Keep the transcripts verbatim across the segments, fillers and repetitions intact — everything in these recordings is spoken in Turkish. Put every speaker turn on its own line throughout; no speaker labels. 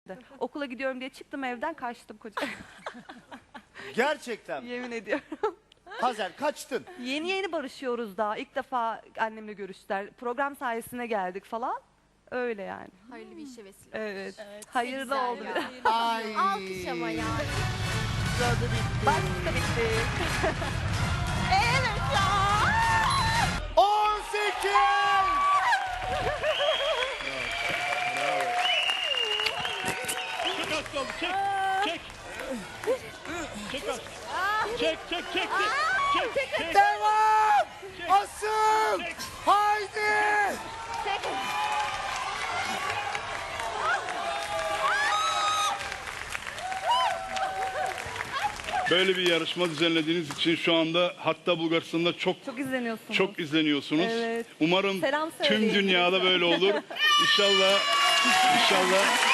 Okula gidiyorum diye çıktım evden, kaçtım koca.
Gerçekten mi?
Yemin ediyorum.
Hazer kaçtın.
Yeni yeni barışıyoruz daha. İlk defa annemle görüştüler. Program sayesinde geldik falan. Öyle yani.
Hayırlı bir işe vesile.
Evet.
Evet.
Hayırlı
Güzel
oldu
ya.
biraz.
Ay.
Alkış ama ya.
Sırada bitti.
Başta bitti.
on sekiz.
Çek az kaldı, çek, çek. Çek az. Çek, çek, çek, çek. Çek, çek.
Devam.
Çek.
Asıl.
Çek.
Haydi.
Böyle bir yarışma düzenlediğiniz için şu anda hatta Bulgaristan'da çok
Çok izleniyorsunuz.
çok izleniyorsunuz.
Evet.
Umarım
Selam
tüm
söyleyin.
dünyada böyle olur. İnşallah, inşallah.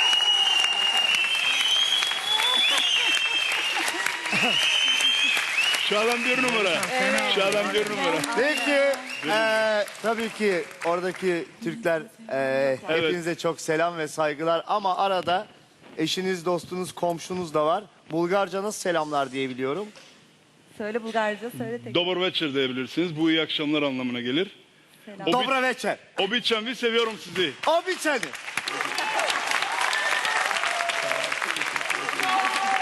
Şu adam bir numara. Şu adam bir numara.
Peki. eee, tabii ki oradaki Türkler eee,
Evet.
hepinize çok selam ve saygılar. Ama arada eşiniz, dostunuz, komşunuz da var. Bulgarca nasıl selamlar diye biliyorum.
Söyle Bulgarca, söyle tek.
Dobar večer diyebilirsiniz. Bu iyi akşamlar anlamına gelir.
Selam.
Obi-
Dobra večer.
Obiçan, vi seviyorum sizi.
Običani.